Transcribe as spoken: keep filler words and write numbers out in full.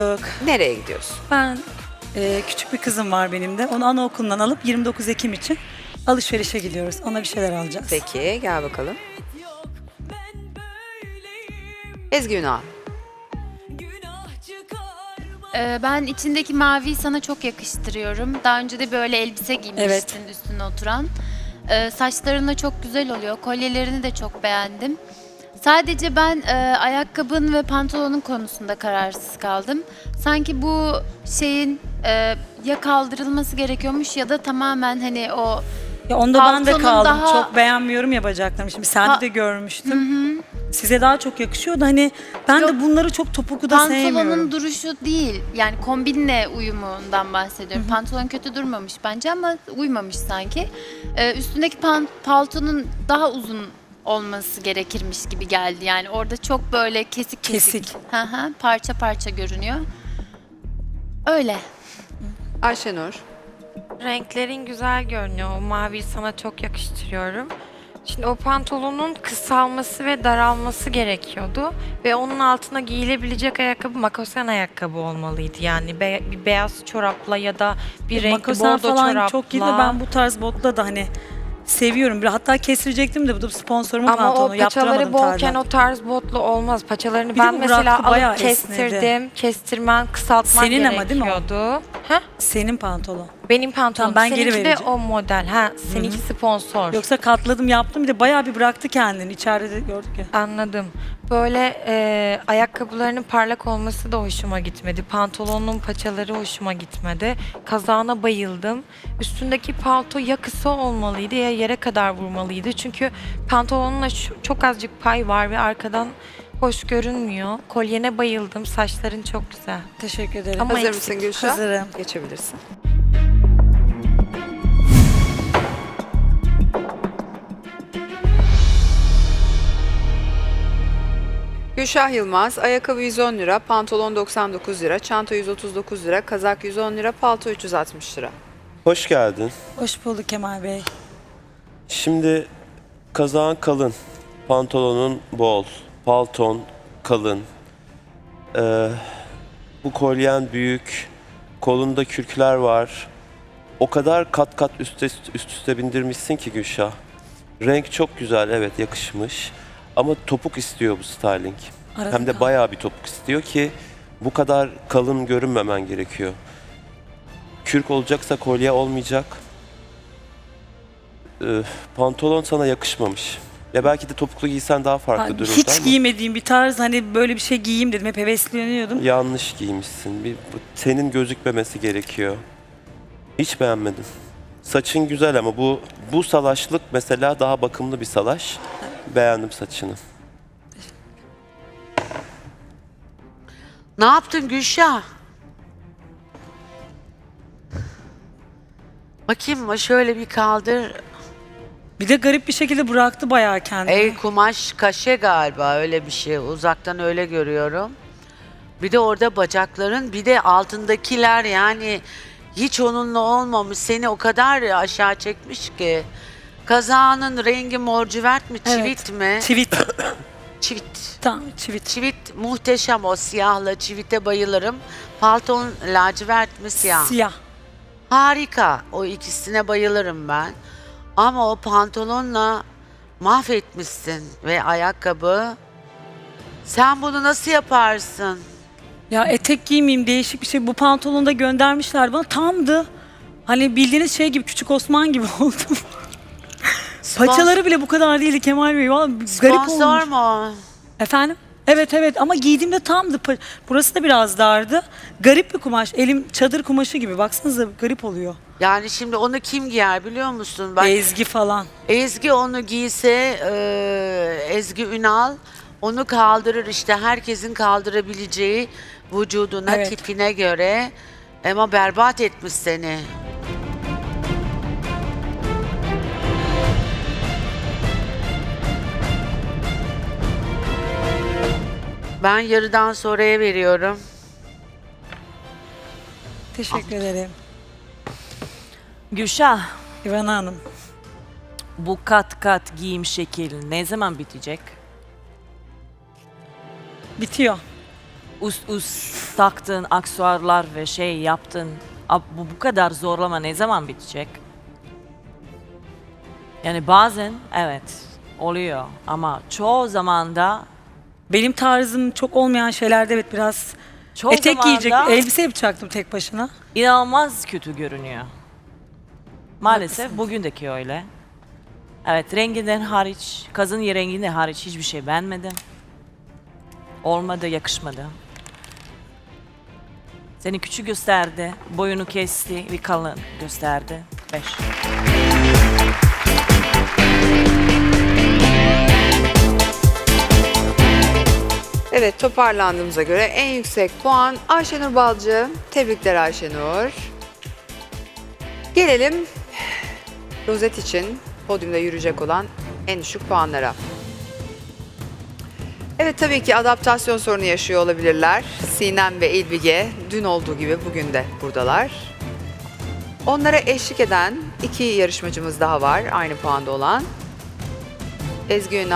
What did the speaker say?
Yok. Nereye gidiyorsun? Ben e, küçük bir kızım var benim de. Onu anaokulundan alıp yirmi dokuz Ekim için alışverişe gidiyoruz. Ona bir şeyler alacağız. Peki gel bakalım. Ezgi Ünal. Ee, ben içindeki maviyi sana çok yakıştırıyorum. Daha önce de böyle elbise giymiştin Evet. üstüne oturan. Ee, saçların da çok güzel oluyor. Kolyelerini de çok beğendim. Sadece ben e, ayakkabın ve pantolonun konusunda kararsız kaldım. Sanki bu şeyin e, ya kaldırılması gerekiyormuş ya da tamamen hani o Ya onda ben de Paltonun kaldım. daha- Çok beğenmiyorum ya bacaklarımı. Şimdi sende Pa- de görmüştüm. Size daha çok yakışıyor da hani ben Yok. de bunları çok topuklu da sevmiyorum. pantolonun duruşu değil. Yani kombinle uyumundan bahsediyorum. Pantolon kötü durmamış bence ama uymamış sanki. Ee, üstündeki pan- paltonun daha uzun olması gerekirmiş gibi geldi. Yani orada çok böyle kesik kesik. Kesik. Hı hı, parça parça görünüyor. Öyle. Ayşenur. Renklerin güzel görünüyor. O maviyi sana çok yakıştırıyorum. Şimdi o pantolonun kısalması ve daralması gerekiyordu. Ve onun altına giyilebilecek ayakkabı makosen ayakkabı olmalıydı. Yani be- bir beyaz çorapla ya da bir renkli Makosen bordo falan çorapla. çok iyi de ben bu tarz botla da hani seviyorum. Bir- Hatta kestirecektim de bu da sponsorumun Ama pantolonu. o paçaları Yaptıramadım bolken tarzdan. o tarz botlu olmaz. Paçalarını Bir de ben bu mesela bıraktı, bayağı alıp kestirdim. esnedi. Kestirmen, kısaltman Senin ama değil mi o? gerekiyordu. Ha? Senin pantolon. Benim pantolonum. Tamam, ben geri Seninki de vereceğim. o model. Ha, seninki sponsor. Yoksa katladım yaptım bir de bayağı bir bıraktı kendini. İçeride de gördük ya. Anladım. Böyle e, ayakkabılarının parlak olması da hoşuma gitmedi. Pantolonun paçaları hoşuma gitmedi. Kazağına bayıldım. Üstündeki palto ya kısa olmalıydı ya yere kadar vurmalıydı. Çünkü pantolonuna şu- çok azıcık pay var ve arkadan hoş görünmüyor. Kolyene bayıldım. Saçların çok güzel. Teşekkür ederim. Ama Hazır eksik. mısın Gülşah? Hazırım. Geçebilirsin. Gülşah Yılmaz, ayakkabı yüz on lira, pantolon doksan dokuz lira, çanta yüz otuz dokuz lira, kazak yüz on lira, palto üç yüz altmış lira. Hoş geldin. Hoş bulduk Kemal Bey. Şimdi kazağın kalın, pantolonun bol, palton kalın. Ee, bu kolyen büyük, kolunda kürkler var. O kadar kat kat üst üste, üst üste bindirmişsin ki Gülşah. Renk çok güzel, evet yakışmış. Ama topuk istiyor bu styling. Arada Hem de kaldı. bayağı bir topuk istiyor ki bu kadar kalın görünmemen gerekiyor. Kürk olacaksa kolye olmayacak. Ee, pantolon sana yakışmamış. Ya belki de topuklu giysen daha farklı Ha, dururdu hiç ama giymediğim bir tarz hani böyle bir şey giyeyim dedim. Hep hevesleniyordum. yanlış giymişsin. Bir, bu tenin gözükmemesi gerekiyor. Hiç beğenmedim. Saçın güzel ama bu bu salaşlık mesela daha bakımlı bir salaş. Beğendim saçını. Ne yaptın Gülşah? Bakayım mı? Şöyle bir kaldır. Bir de garip bir şekilde bıraktı bayağı kendini. El kumaş kaşe galiba öyle bir şey. Uzaktan öyle görüyorum. Bir de orada bacakların bir de altındakiler yani hiç onunla olmamış. Seni o kadar aşağı çekmiş ki. Kazağının rengi mor civert mi? Evet. Çivit mi? Çivit. Çivit. Tamam çivit. Çivit muhteşem o siyahla. Çivite bayılırım. Palton lacivert mi siyah? Siyah. Harika. O ikisine bayılırım ben. Ama o pantolonla mahvetmişsin ve ayakkabı. Sen bunu nasıl yaparsın? Ya etek giymeyeyim değişik bir şey. Bu pantolonu da göndermişler bana. Tamdı. Hani bildiğiniz şey gibi Küçük Osman gibi oldum. Paçaları bile bu kadar değildi Kemal Bey. Vallahi garip Sponsor olmuş. mu? Efendim? Evet evet ama giydiğimde tamdı. Pa- Burası da biraz dardı. Garip bir kumaş. Elim çadır kumaşı gibi. Baksanıza garip oluyor. Yani şimdi onu kim giyer biliyor musun? Bak, Ezgi falan. Ezgi onu giyse, e, Ezgi Ünal onu kaldırır işte herkesin kaldırabileceği vücuduna, Evet. tipine göre. Ama berbat etmiş seni. Ben yarıdan sonraya veriyorum. Teşekkür ederim. Gülşah, İvana Hanım. bu kat kat giyim şekli ne zaman bitecek? Bitiyor. üst üst taktın aksesuarlar ve şey yaptın. Ab- Bu bu kadar zorlama ne zaman bitecek? Yani bazen evet oluyor ama çoğu zaman da Benim tarzım çok olmayan şeylerde evet biraz çoğu etek zaman giyecek, da elbise yapacaktım tek başına. inanılmaz kötü görünüyor. Maalesef Haklısınız. bugündeki öyle. Evet renginden hariç, kazın renginden hariç hiçbir şey beğenmedim. Olmadı, yakışmadı. Seni küçük gösterdi, boyunu kesti ve kalın gösterdi. Beş. Evet, toparlandığımıza göre en yüksek puan Ayşenur Balcı. Tebrikler Ayşenur. Gelelim rozet için podyumda yürüyecek olan en düşük puanlara. Evet, tabii ki adaptasyon sorunu yaşıyor olabilirler. Sinem ve İlbige dün olduğu gibi bugün de buradalar. Onlara eşlik eden iki yarışmacımız daha var aynı puanda olan. Ezgi Ünal